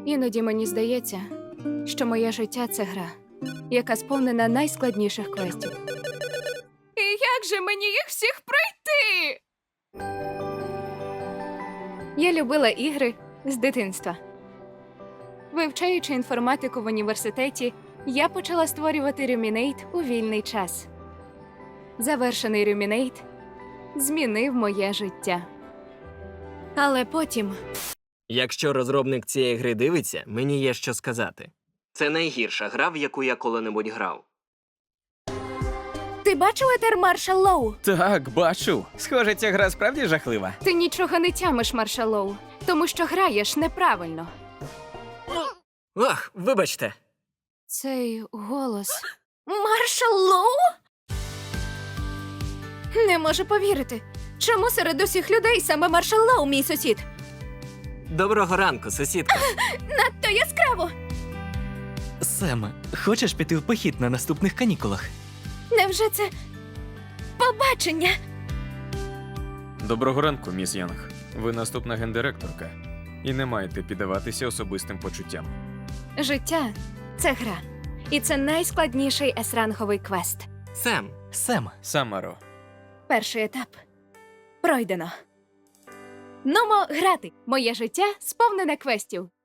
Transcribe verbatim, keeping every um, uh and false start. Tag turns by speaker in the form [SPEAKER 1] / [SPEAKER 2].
[SPEAKER 1] Іноді мені здається, що моє життя – це гра, яка сповнена найскладніших квестів. І як же мені їх всіх пройти? Я любила ігри з дитинства. Вивчаючи інформатику в університеті, я почала створювати Ruminate у вільний час. Завершений Ruminate змінив моє життя. Але потім...
[SPEAKER 2] Якщо розробник цієї гри дивиться, мені є що сказати. Це найгірша гра, в яку я коли-небудь грав.
[SPEAKER 1] Ти бачив етер Маршал Лоу?
[SPEAKER 3] Так, бачу. Схоже, ця гра справді жахлива.
[SPEAKER 1] Ти нічого не тямиш, Маршал Лоу, тому що граєш неправильно.
[SPEAKER 2] Ах, вибачте.
[SPEAKER 1] Цей голос... Маршал Лоу? Не можу повірити. Чому серед усіх людей саме Маршал Лоу мій сусід?
[SPEAKER 2] Доброго ранку, сусідка.
[SPEAKER 1] Надто яскраво!
[SPEAKER 4] Сем, хочеш піти в похід на наступних канікулах?
[SPEAKER 1] Невже це побачення?
[SPEAKER 5] Доброго ранку, міс Янг. Ви наступна гендиректорка. І не маєте піддаватися особистим почуттям.
[SPEAKER 1] Життя – це гра. І це найскладніший ес-ранговий квест.
[SPEAKER 2] Сем,
[SPEAKER 4] Сем,
[SPEAKER 5] Самаро.
[SPEAKER 1] Перший етап пройдено. Нумо грати. Моє життя сповнене квестів.